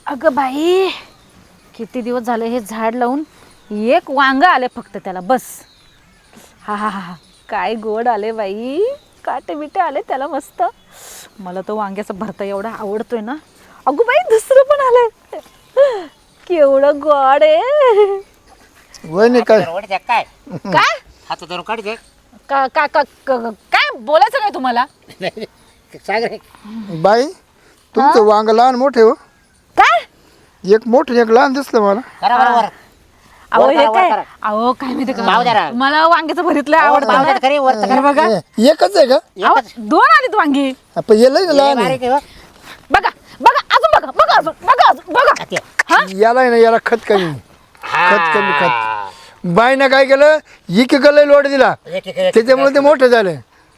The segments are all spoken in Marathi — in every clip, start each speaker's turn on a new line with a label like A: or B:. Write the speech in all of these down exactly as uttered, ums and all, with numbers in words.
A: अगं बाई, किती दिवस झाले हे झाड लावून, एक वांग आले फक्त त्याला बस. हा हा हा काय गोड आले बाई, काटे बिटे आले त्याला मस्त. मला तो वांग्याचा भरता एवढा आवडतोय ना. अगो बाई दुसरं पण आलंय, केवढं गोड आहे.
B: वहिनी काय
C: काय
A: काय
C: हात धरून काढ दे.
A: का का का का- काय बोलायचं काय तुम्हाला?
C: सांग रे.
B: बाई तुमचं वांग लहान मोठे हो.
A: काय
B: एक मोठं एक लहान दिसलं मला.
C: करा बरोबर.
A: अहो
C: वर
A: हे
C: करा, वर
A: काय
C: करा.
A: अहो काय माहिती
C: भाव जरा.
A: का, मला वांग्याचं भरीतलं आवडतं ना.
C: खरी वर तर
A: हे
C: करा.
A: बघा,
B: ए, एकच आहे का
A: अहो, दोन आलीत वांगी.
B: आपण येलं ना लहान आहे.
C: बारीक आहे हो.
A: बघा बघा अजून बघा बघा अजून बघा अजून बघा.
C: ते.
A: हा
B: याला आहे ना याला खत कमी. खत कमी खत. बाईनं काय केलं, एक एकला लोड दिला,
C: एक- एक- एक-
B: त्याच्यामुळे ते मोठं झालं.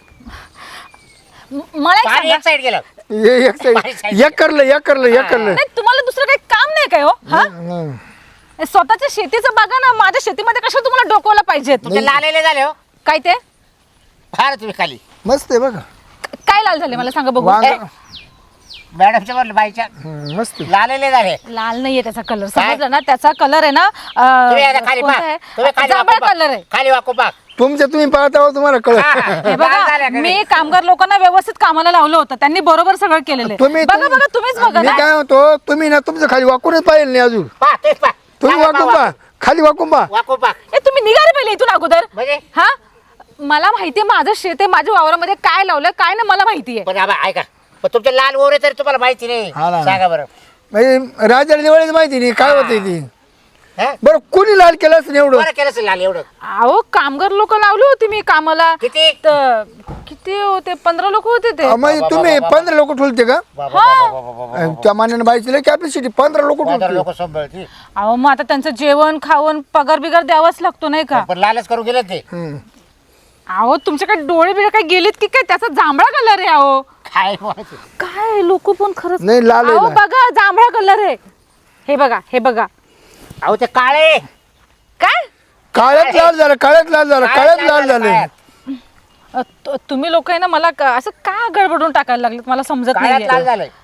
A: म- मला एक
C: पाणी
A: सांगा.
C: एक साईड गेलं.
B: हे एक साईड- एक करलं एक करलं एक करलं.
A: नाही तुम्हाला दुसरं काही काम नाही काय हो? हा
B: हं.
A: हे स्वतःच्या शेतीचं बघा ना. माझ्या शेतीमध्ये कशा तुम्हाला डोकवलं पाहिजेत?
C: तुमचे लालेले झाले हो.
A: काय ते
C: फार तुम्ही खाली
B: मस्त आहे बघा
A: काय लाल झाले मला सांगा बघू.
B: वांग.
C: मॅडमच्या बोल बाईच्या
B: हं, मस्त आहे.
C: लालेले झाले.
A: लाल नाहीये त्याचा कलर,
C: काय?
A: समजलं ना? त्याचा कलर आहे ना
C: तुम्ही आता
A: अं,
C: खाली
A: कोणता
C: पहा.
A: आहे?
C: तुम्ही खाली
A: जांभळा
C: वाकू
A: कलर
C: पहा.
A: आहे.
C: खाली वाकू पहा.
B: तुमच्या तुम्ही पाहता हो, तुम्हाला कळत.
C: हा.
A: हे
C: लाल
A: बघा,
C: झाल्या का
A: मी
C: नाही?
A: कामगार लोकांना व्यवस्थित कामाला लावलं होतं, त्यांनी बरोबर सगळं केलेलं आहे.
B: तुम्ही
A: बघा बघा तुम्हीच बघा
B: मी
A: ना.
B: काय म्हणतो, तुम्ही ना तुमचं खाली वाकूनच पाहिलं नाही अजून.
C: पहा, तेच पहा.
B: तुम्ही
C: सांगा
B: वाकून
C: पहा,
B: पहा, खाली वाकून पहा.
C: वाकू पहा.
A: ए तुम्ही निघाले पहिले इथून अगोदर.
C: म्हणजे
A: हा मला माहितीये माझं शेत आहे, माझ्या वावरामध्ये काय लावलं काय ना मला माहितीये.
C: पण आबा ऐका, पण तुमचे लाल ओरे तरी तुम्हाला माहिती नाही.
B: हा ना.
C: सांगा बरं.
B: म्हणजे राजाला दिवाळीच माहिती नाही काय होते ती.
C: हा?
B: बरं कोणी लाल केलं असं एवढं.
C: बरं केलं असेल लाल एवढं.
A: अहो कामगार लोक लावली होती मी कामाला.
C: किती?
A: तर किती होते, पंधरा लोक होते ते.
B: अं, म्हणजे तुम्ही पंधरा लोक ठुलते का?
C: बाबा, बाबा, बाबा, बाबा.
B: अं, त्या मान्याने बाईची कॅपॅसिटी पंधरा लोक
C: पंधरा
B: ठुलते.
C: लोक सांभाळतील.
A: अहो मग आता त्यांचं जेवण खावण पगार बिगार द्यावाच लागतो नाही का?
C: पण लालच करून गेले ते.
B: हं.
A: अहो तुमच्याकडे डोळे बिळे काय गेलेत की काय? त्याचा जांभळा कलर आहे. अहो
C: काय बोलायचं?
A: काय लोक पण खरंच.
B: नाही, लाल आहे
A: अहो
B: लाल.
A: बघा जांभळा कलर आहे. हे बघा हे बघा.
C: अहो ते काळे.
A: काय
B: काळ्यात लाल झालं, काळ्यात लाल झालं, काळ्यात लाल झालं.
C: काळ्यात.
A: अ, तु- तुम्ही लोक आहे ना मला का- असं का गडबडून टाकायला लागलेत मला समजत
C: काळ्यात
A: नाही.
C: लाल झालंय.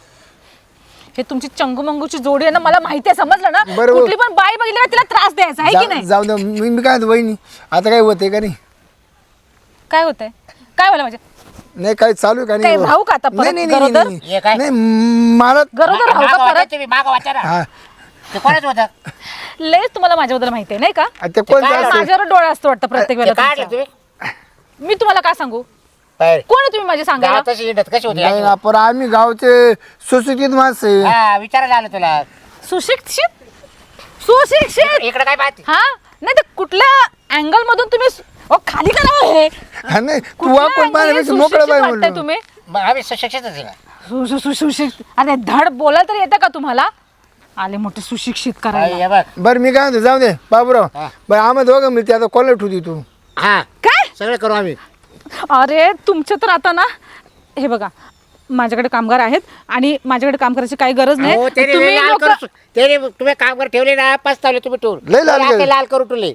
A: हे तुमची चंगुमंगूची जोडी आहे ना, मला माहिती आहे, समजलं ना?
B: बरोबर.
A: कुठली पण बाई बघितली ना तिला त्रास द्यायचा आहे की
B: जा-
A: नाही?
B: जाऊ दे, मी मी काय म्हणतो वहिनी, आता काय होतंय का नाही?
A: काय होतंय? काय व्हायला म्हणजे
B: नाही काय चालू आहे का
A: काय
B: नाही?
A: राहू का आता परत
B: नाही नाही नाही,
A: गरोदर?
B: नाही
C: हे काय?
B: नाही, मला
A: गरोदर राहू
C: मागं
A: का
C: वाचा
A: परत?
C: तुम्ही, मागं वाचा ना.
B: हा
C: ते कोणाच होतं?
A: लयच तुम्हाला माझ्याबद्दल माहिती आहे नाही का?
B: ते कोण
C: काय
B: जास्त-
A: माझ्यावर डोळा असतो वाटतं प्रत्येक
C: ते
A: वेळेला
C: काढलं
A: तुमचा.
C: तुम्ही?
A: मी तुम्हाला काय सांगू?
C: काय?
A: कोण आहे तुम्ही माझे सांगायला?
C: गावात तशी हिंडत कशी होती?
B: नाही ना, पण आम्ही गावचे सुशिक्षित माणसं आहे.
C: हा, विचारायला आलं तुला.
A: सुशिक्षित सुशिक्षित
C: इकडे काय पाहते?
A: हा नाही तर कुठल्या अँगल मधून तुम्ही सु- अहो, खाली करा हो हे.
B: हा, नाही तू
A: कुठल्या
B: वाकून
A: angle ने
B: पाहण्यापेक्षा मोकळं
A: सुशिक्षित
B: पाय
A: वाटताय
B: म्हणलं.
A: तुम्ही?
C: मग आम्ही सुशिक्षितच आहे ना.
A: सु- सु- सु- सुशिक्षित अरे धड बोला तरी येतं का तुम्हाला? आले मोठे सुशिक्षित
C: हा,
A: करायला.
C: हे बघ.
B: बरं मी काय म्हणतो, जाऊ दे बाबूराव.
C: हा.
B: बरं आम्ही दोघं मिळते आता कॉलेज ठेवती तू.
C: हा,
A: काय
C: सगळं करू आम्ही.
A: अरे तुमच्या तर आता ना हे बघा माझ्याकडे कामगार आहेत आणि माझ्याकडे काम करायची काही गरज
C: हो,
A: नाही.
C: त्याने
A: तुम्ही
C: लाल
A: लोकं-
C: करू- त्याने तुम्ही कामगार ठेवले ना, पस्तावले तुम्ही टूर.
B: लय लाल केले.
C: लाल करू टुले.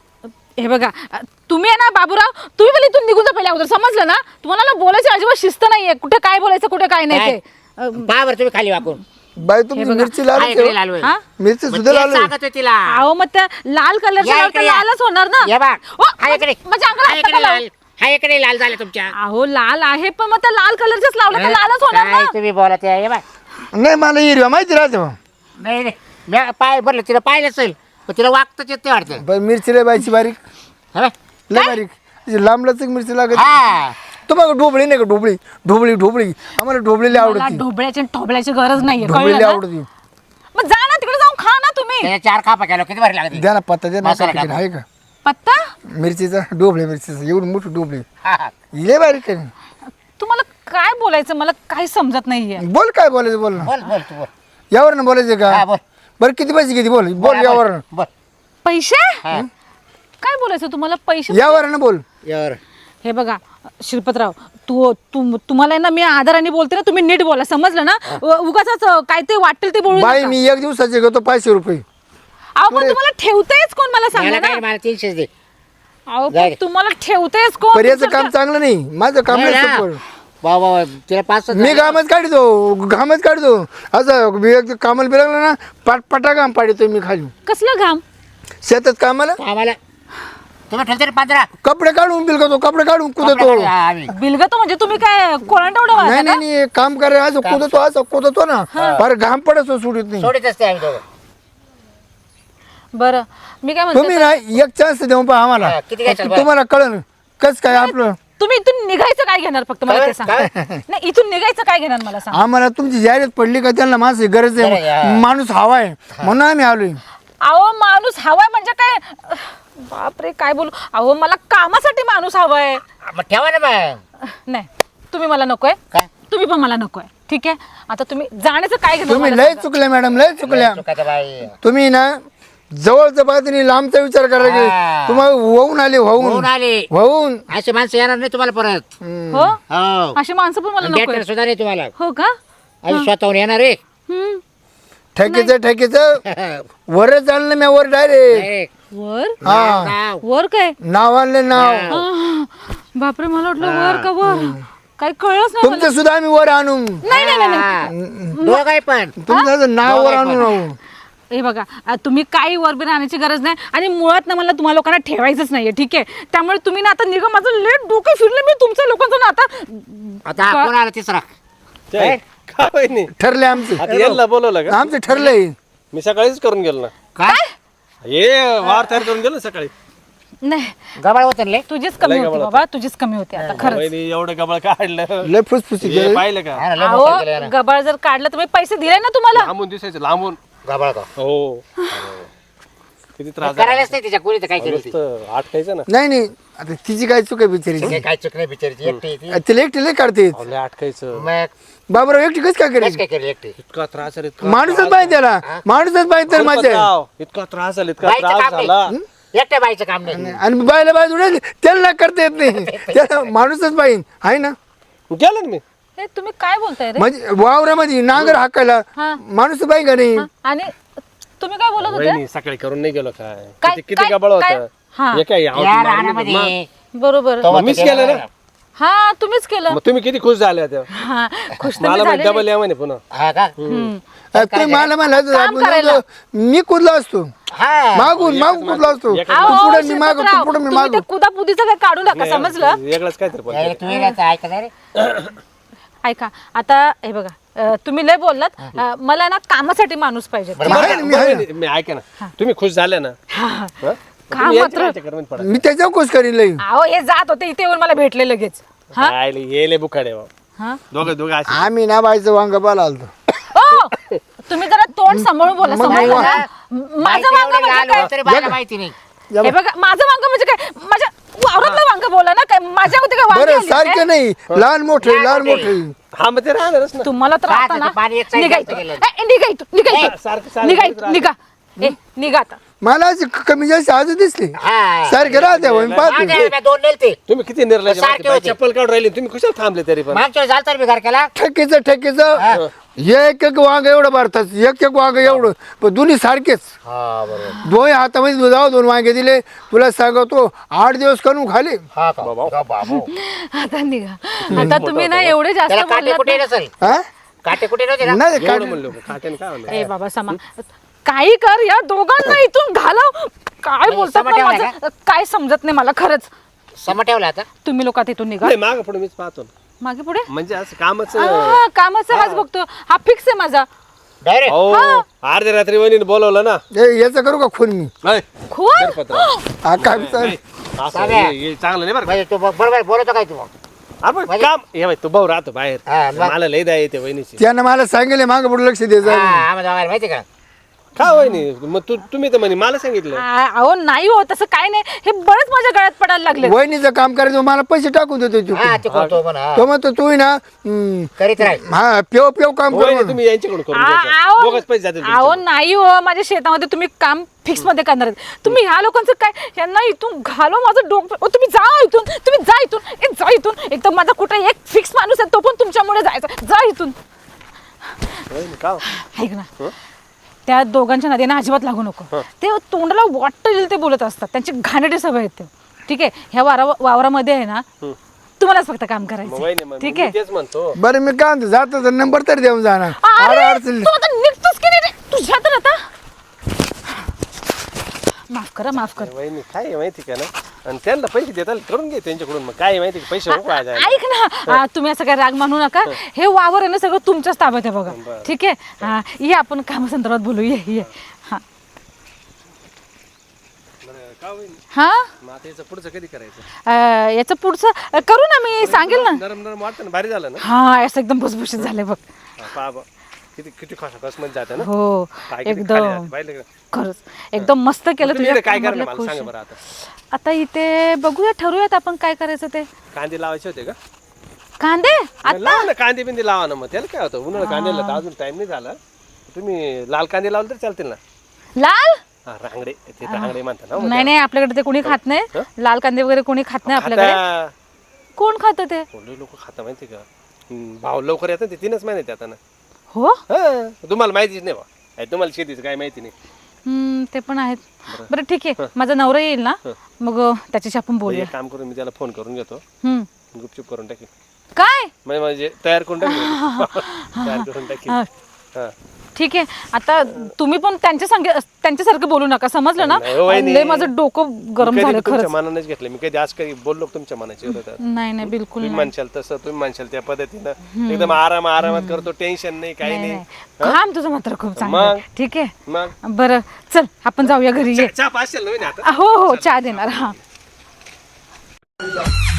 A: हे बघा तुम्ही आहे ना बाबूराव, तुम्ही पण इथून निघून जा पहिले अगोदर, समजलं ना? तुम्हाला ना बोलायची अजिबात शिस्त नाहीये. कुठे काय बोलायचं कुठे काय नाही ते. अ,
C: पहा बरं तुम्ही खाली वाकून.
B: बाई तुमची
A: बघा.
B: मिरची लाल
C: हा,
B: आहे
C: इकडे
B: का?
C: लाल होय.
A: हा?
B: मिरची
C: मग
B: सुद्धा
C: तेच
B: लाल आहे.
C: सांगत होते तिला.
A: अहो मग त्या लाल कलरच्या
C: या
A: लावता
C: इकडे या.
A: लालच होणार ना.
C: हे बघ.
A: ओ,
C: हा इकडे.
A: म्हणजे अंगाला
C: हा
A: हात
C: इकडे
A: नका लावू.
C: लाल. हा इकडे लाल झाले तुमच्या.
A: अहो लाल आहे पण मग त्या लाल कलरच्याच लावलं तर लालच होणार
C: काय
A: ना.
C: तुम्ही बोलत आहे? हे बघ.
B: नाही मला हिरव्या माहिती राहते मग.
C: नाही नाही मी पाय भरलं, तिला पाहिलं असेल पण तिला वागताच येत नाही वाटतं.
B: बरं मिरची लय बायची बारीक,
C: हे बघ.
B: लय बारीक. अशी लांब लचक मिरची लागत.
C: हा.
B: तुम्हाला ढोबळी नाही का? ढोबळी ढोबळी ढोबळी आम्हाला ढोबळीला
A: मला
B: आवडती.
A: ढोबळ्याची आणि ठोबळ्याची गरज नाहीये, कळलं
B: ढोबळीला
A: ना?
B: आवडती.
A: मग जा ना तिकडे जाऊन खा ना तुम्ही.
C: त्याच्या चार खापा केलो किती भारी लागते.
B: द्या ना पत्ता द्या ना.
C: मसाला
B: पॅकेट
C: टाकून.
B: आहे का
A: पत्ता
B: मिरचीचा? डोबळे मिरचीचा एवढी मोठी डोबळी
C: हा, हा.
B: लय बारीक आहे.
A: तुम्हाला काय बोलायचं मला काही समजत नाहीये.
B: बोल काय बोलायचं बोल ना.
C: बोल बोल तू बोल.
B: यावर ना बोलायचं
C: हा,
B: का?
C: बोल.
B: बरं किती पैसे किती बोल बोल
C: हा,
B: यावर
C: बोल.
A: पैसे
C: हा.
A: काय बोलायचं तुम्हाला? पैसे
B: यावर ना बोल.
C: यावर.
A: हे बघा श्रीपतराव, तू तुम- तुम्हाला आहे ना मी आदराने बोलते ना, तुम्ही नीट बोला, समजलं ना? उगाच काय ते वाटेल ते बोलू
B: बाई
A: नका.
B: मी एक दिवसाचे घेतो पाचशे रुपये.
A: अहो पण तुम्हाला ठेवतेच कोण मला सांगा
C: मला काय
A: ना?
C: मला तीनशेच दे.
A: अहो
C: जाय
A: पण
C: रे.
A: तुम्हाला ठेवतेच कोण?
B: पण याचं
A: तुमचं
B: काम चांगलं नाही, माझं काम
C: नाही
B: नाही
C: ना.
B: सोपं.
C: वा वा वा. तिला पाच सहा
B: मी
C: झाले.
B: घामच काढतो घामच काढतो असं मी एक कामाला बिरगलं ना पाटपाटा घाम पाडतो मी खाली
A: कसलं घाम?
B: शेतात कामाला
C: आम्हाला तुम्ही ठेवते रे पंधरा
B: कपडे काढून बिलकतो कपडे काढून कुदतो
C: आम्ही
A: बिलगतो म्हणजे तुम्ही काय कोलांटवडं
B: नाही
A: वाजता
B: नाही नाही काम करायला असं कुदतो असं कुदतो ना फार घाम पडतो सोडित नाही
C: सोडीत असते आम्ही दोघं.
A: बरं मी काय
B: तुम्ही
A: म्हणते
B: ना एक चान्स देऊ पहा आम्हाला
C: हा, किती घ्यायचं बरं?
B: तुम्हाला कळन कस काय आपलं
A: तुम्ही इथून निघायचं काय घेणार फक्त मला ते
C: काय?
A: सांग नाही इथून निघायचं काय घेणार मला सांग.
B: आम्हाला तुमची जाहिरात पडली का त्यांना माणसाची गरज
C: बरं,
B: आहे
C: या.
B: माणूस हवा आहे म्हणून आम्ही आलोय
A: अहो माणूस हवाय म्हणजे काय? बापरे काय बोलू. अहो मला कामासाठी माणूस हवाय.
C: मग ठेवा ना मग.
A: नाही तुम्ही मला नकोय
C: काय
A: तुम्ही पण मला नकोय ठीक आहे. आता तुम्ही जाण्याचं काय घेणार
B: तुम्ही
A: मला
B: लय
A: सांगा.
B: चुकल्या मॅडम लय चुकल्या
C: चुकाचं बाई.
B: तुम्ही ना जवळच्या बाजूने लांबचा विचार करा की
C: हा.
B: तुम्हाला होऊन आले
C: होऊन
B: होऊन
C: आले
B: होऊन
C: अशी माणसं येणार नाही तुम्हाला परत.
A: हो
C: हो
A: अशी माणसं पण मला
C: डेटर
A: नकोय.
C: सुद्धा नाही तुम्हाला.
A: हो का?
C: अशी स्वतःहून येणार रे.
A: हम्म.
B: ठेकीचं ठेकीचं वरच आणलं मी वर डायरेक्ट
C: Direct.
A: वर
B: हा
C: नाव.
A: वर काय?
B: नाव आणलं नाव
C: नाव.
A: आह, बापरे मला वाटलं वर का वर काही कळलंच नाही मला.
B: तुमचं सुद्धा आम्ही वर आणू
A: नाही नाही नाही, नाही
C: हा. दोघंही पण
B: तुमचं नाव वर आणू राहू
A: हे बघा आ, तुम्ही काही वरबी राहण्याची गरज नाही आणि मुळात ना मला तुम्हाला लोकांना ठेवायचंच नाहीये ठीक आहे. त्यामुळे तुम्ही ना आता निघा माझं लेट डोकं फिरलं मी तुमच्या लोकांचं ना आता
C: आता हा कोण आला तिसरा.
D: काय काय वहिनी?
B: ठरले आमचे
D: आता यांना बोलवलं का?
B: आमचं ठरलंय
D: मी सकाळीच करून गेलो ना.
C: काय
D: हे वार तयार करून गेलो ना सकाळी.
A: नाही
C: गबाळ होतं ना लय.
A: तुझीच कमी
D: लय
A: होती
D: गबाळ
A: बाबा तुझीच कमी होती आता खरंच.
D: वहिनी एवढं गबाळ काढलं.
B: लय फुसफुसी
D: हे
B: केलं
D: पाहिलं का?
C: हा ना, लय मोठं केलं
A: अहो
C: ना.
A: गबाळ जर काढलं तर मी पैसे दिले ना तुम्हाला.
D: लांबून दिसायचं लांबून.
C: गबाळ का
D: हो किती त्रास
C: करायलाच नाही तिच्या कोणी तर काय केलं ती.
D: नुसतं आटकायचं ना.
B: नाही नाही आता तिची काय चूक आहे बिचारीची
C: काही काय चूक नाही बिचारीची एकटी आहे ती.
B: तिला एकटी लय काढते
D: लय आटकायचं.
C: मग
B: बाबराव एकटी कस काय
C: काहीच
B: करेल
C: काय केलं एकटी.
D: इतका त्रास आहे, इतका
B: माणूसच
D: त्रास
B: पाहिजे त्याला माणूसच पाहिजे तर
D: आहे.
B: माझ्या
D: राव, इतका त्रास झाला इतका
C: बाईचं
D: त्रास
C: काम नाही.
D: झाला.
C: एकट्या बाईचं काम नाही.
B: आणि बायला बाय उडेल त्याला करता येत नाही त्याला माणूसच पाहिजे आहे ना
D: गेलो ना मी.
A: हे तुम्ही काय बोलताय रे?
B: म्हणजे वावरामध्ये नांगर हाकायला
A: हा.
B: माणूस पाहिजे का नाही
A: हा, आणि तुम्ही काय बोलत होते?
D: वहिनी सकाळी करून नाही गेलो काय
A: काय-
D: किती किती
A: काय-
D: गबाळ
A: काय?
D: होतं.
A: हा.
D: हे काय
C: या
D: आवडून मारून
C: रानामध्ये
A: बरोबर
C: तो
D: मीच
C: म्हणतो
D: केलं ना.
C: त्याला-
A: हा तुम्हीच केलं.
D: मग तुम्ही किती खुश झाले होते.
A: हा खुश तर मी
D: मला
A: झाले
D: डबल या म्हणे पुन्हा.
C: हा का
A: हम्म.
B: तुम्ही मला म्हणलं
A: काम करायला.
B: मी कुदला असतो
C: हा
B: मागून मागून कुदला असतो
D: एक-
B: तू
A: अहो,
B: पुढे मी माग तू
A: शिरपतराव,
B: पुढे मी
A: तुम्ही
B: मागू
A: ते कुदापुदीचं काय काढू नका समजलं.
D: वेगळंच काहीतरी पण.
C: यायला तू येण्याचं ऐका रे.
A: ऐका आता हे बघा अं, तुम्ही लय बोललात अं, मला ना कामासाठी माणूस पाहिजे.
C: बरं,
B: आहे
C: बरं.
B: ना, मी आहे ना.
D: वहिनी, मी ऐका ना तुम्ही खुश झाले ना.
A: हा.
D: हं?
A: काम
D: तुम्ही यांच्या
A: मात्र-
D: चक्करमध्ये पडा.
B: मी त्याच्यावर खुश करीन लई
A: अहो हे जात होते इथे येऊन मला भेटले लगेच. हा
D: आयले, येले बुखाडे बाबा.
A: हा
D: दोघं दोघं असे.
B: आम्ही ना बायचं वांग बाला आलतो
A: ओ, तुम्ही जरा तोंड सांभाळून बोला
B: मग
A: समजलं
B: वा-
A: ना?
C: बाईचं
A: माझं वांग
C: एवढं
A: म्हणजे
C: लाल
A: काय?
C: होतं तरी बाईला माहिती नाही.
A: हे बघा माझं वांग म्हणजे काय? माझ्या वावरातलं वांग बोला ना काय माझ्या होते काय वांगी
B: बरं
A: आली काय?
B: सारखे नाही लहान मोठे
C: लहान
B: लहान
C: मोठे.
B: मोठे
D: हा मग ते राहणारच ना.
A: तुम्हाला तर
C: काय
A: आता
C: आता
A: ना
C: ते पाणी एक side
A: निघा
C: जास्त
A: इथून.
C: गेलं.
A: ए, निघा इथून, निघा इथून.
D: सारखं सारखं
A: निघा
D: करत
A: इथून, निघा ए निघा आता.
B: मला अशी क- कमी जास्त आजू दिसले
C: हा.
B: सारखे राहते हो, मी
C: हा,
B: पाहतो
C: नाही, मी दोन नेलते.
D: तुम्ही किती निर्लज
C: सारखे
D: बाई,
C: होते.
D: चप्पल काढून राहिले तुम्ही कुशाल थांबले तरी पण.
C: मागच्या वेळेस झालं तर मी घर केला.
B: ठेकीचं ठेकीचं एक एक वांग एवढं भरतात एक एक वांग एवढं पण दोन्ही सारखेच
C: हा बरोबर.
B: दोन हातामध्ये जाऊ दोन वांगे दिले तुला सांगतो आठ दिवस करून खाली
C: हा का का बाबू.
A: आता निघा. आता तुम्ही ना एवढे जास्त
C: त्याला काटे कुठे
A: बोललात
C: नसेल.
B: हा
C: काटे कुठे नव्हते ना.
B: नाही
D: एवढं
B: काढ-
D: म्हणलो काट्याने काय म्हणलं.
A: ना. ए बाबा समा काही कर या दोघांना इथून घालव. काय बोलतात ना
C: समजलं
A: माझं काय समजत नाही मला खरंच.
C: सम ठेवला आता.
A: तुम्ही लोक आता इथून निघा
D: नाही मागं पुढे मीच पाहतो ना.
A: मागे पुढे
D: म्हणजे असं कामच.
A: हा, कामाचा हाच बघतो हा फिक्स आहे माझा.
C: डायरेक्ट
D: हो अर्ध्या रात्री वहिनीने बोलवलं ना.
B: ए, याचं करू का खून मी
D: ऐ,
A: खून
D: पत्र.
B: हा काय विचार?
D: असं
C: चालेल.
D: हे- हे चांगलं नाही बरं का.
C: म्हणजे तू ब- बरोबर बोलतो काय तू मग.
D: आपण
C: म्हणजे-
D: काम हे बाई तू भाऊ राहतो बाहेर.
C: हा, मग-
D: मला लय द्या येते वहिनीची.
B: त्यानं मला सांगितले मागं पुढे लक्ष द्यायचं
C: हा, आम्हाला दोघांना माहिती का.
D: का वहिनी मग तू तुम्ही तर म्हणे मला सांगितलं.
A: आ- अहो नाही हो तसं काय नाही हे बरंच माझ्या गळ्यात पडायला लागले.
B: वहिनीचं काम करायचं मला पैसे टाकून देतो तू
C: हा ते करतो म्हणा.
B: तो म्हणतो तू ना हम्म,
C: करीत राहील.
B: हा पेव पेव काम कर
D: वहिनी
B: म्हणून.
D: तुम्ही यांच्याकडून करून घ्यायचं. बोगस पैसे जातील
A: अहो
D: तुमचे.
A: नाही हो माझ्या शेतामध्ये तुम्ही काम फिक्स मध्ये करणार आहेत. तुम्ही ह्या लोकांचं काय यांना इथून घालो माझं डोकं. ओ, तुम्ही जा इथून तुम्ही जा इथून ए, जा इथून एकदम माझा कुठे एक फिक्स माणूस आहे तो पण तुमच्यामुळे जायचा. जा इथून.
D: वहिनी, का
A: ऐक ना त्या दोघांच्या नदीनं अजिबात लागू नको. ते तोंडाला वाटतं येईल ते बोलत असतात त्यांची घाणेरडी सवय आहेत ते. ठीक आहे ह्या वारा वावरामध्ये आहे ना तुम्हालाच फक्त काम
D: मग
A: करायचं
D: वहिनी मग
A: ठीक
D: मी
A: आहे
D: तेच म्हणतो
B: बरं मी काय म्हणतो जातो तर नंबर तरी देऊन जाणार
A: अरे,
B: अरे अडचण
A: तू आता निघतोस की नाही रे? तुझ्या तर आता माफ करा माफ कर
D: वहिनी काय आहे माहिती का ना आणि त्यांना पैसे देताल करून घे त्यांच्याकडून मग काय आहे माहिती का पैसे नको काय जायला.
A: ऐक ना आ, तुम्ही असं काय राग मानू नका हे वावर आहे ना सगळं तुमच्याच ताब्यात आहे बघा ठीक आहे हा ये आपण कामासंदर्भात बोलू ये ये हा
D: बरं, का वहिनी
A: हा
D: मग आता याचं पुढचं कधी करायचं
A: अ, याचं पुढचं अ, करू ना मी सांगेल ना
D: नरम नरम वाटतं ना भारी झालं ना
A: हा असं एकदम भुसभुशीत झाले बघ
D: हा, पहा बा. किती किती खस मध्ये जाते ना
A: हो
D: काय किती खाली
A: एकदम
D: जाते, पाहिलं का?
A: खरंच एकदम मस्त केलं
D: तुम्ही
A: तुझ्या
D: इकडे काय करणार
A: कामाला
D: मला
A: खुश
D: सांगा
A: आहे.
D: बरं आता
A: आता इथे बघूया ठरवूयात आपण काय करायचं ते
D: कांदे लावायचे होते का
A: कांदे
D: मग लावा ना कांदे बिंदे लावा ना मग त्याला काय होतं उन्हाळा कांद्याला तर अजून टाइम नाही झाला तुम्ही लाल कांदे लावले तर चालतील ना
A: लाल
D: हा रांगडे ते रांगडे म्हणतात ना हो,
A: नाही नाही आपल्याकडे ते कोणी खात नाही लाल कांदे वगैरे कोणी खात नाही आपल्याकडे
D: आता
A: कोण खातं ते
D: लोक खाता माहिती का हम्म, भाव लवकर येतात ते तीनच महिन्यात येतात ना
A: हो
D: हा तुम्हाला माहितीच नाही बा अरे, तुम्हाला शेतीचं काय माहिती नाही
A: हम्म, ते पण आहेत बरं ठीक आहे माझा नवरा येईल ना मग अ, त्याच्याशी आपण
D: मग
A: बोलूया
D: एक काम करून मी त्याला फोन करून घेतो
A: हम्म
D: गुपचूप करून टाकी
A: काय
D: म्हणजे म्हणजे तयार करून टाकी तयार करून टाकी
A: हा,
D: हा
A: ठीक आहे आता तुम्ही पण त्यांच्या संगे त्यांच्यासारखं बोलू नका समजलं ना
D: नाही हो, वहिनी.
A: लय माझं डोकं गरम
D: मी कधी
A: झालं
D: तुमच्या
A: खरंच
D: मनानेच घेतलं मी कधी आज कधी बोललो का तुमच्या मनाची होतं
A: नाही नाही बिलकुल
D: तुम्ही म्हणशाल तसं तुम्ही म्हणशाल त्या पद्धतीनं एकदम आराम आरामात करतो टेन्शन नाही काही
A: नाही
D: नाही
A: नाही. काम तुझं मात्र खूप चांगलं आहे.
D: मग?
A: ठीक आहे
D: मग
A: बरं चल आपण जाऊया घरी ये
D: चहा पाचशे नवीन आता
A: हो हो चहा देणार हा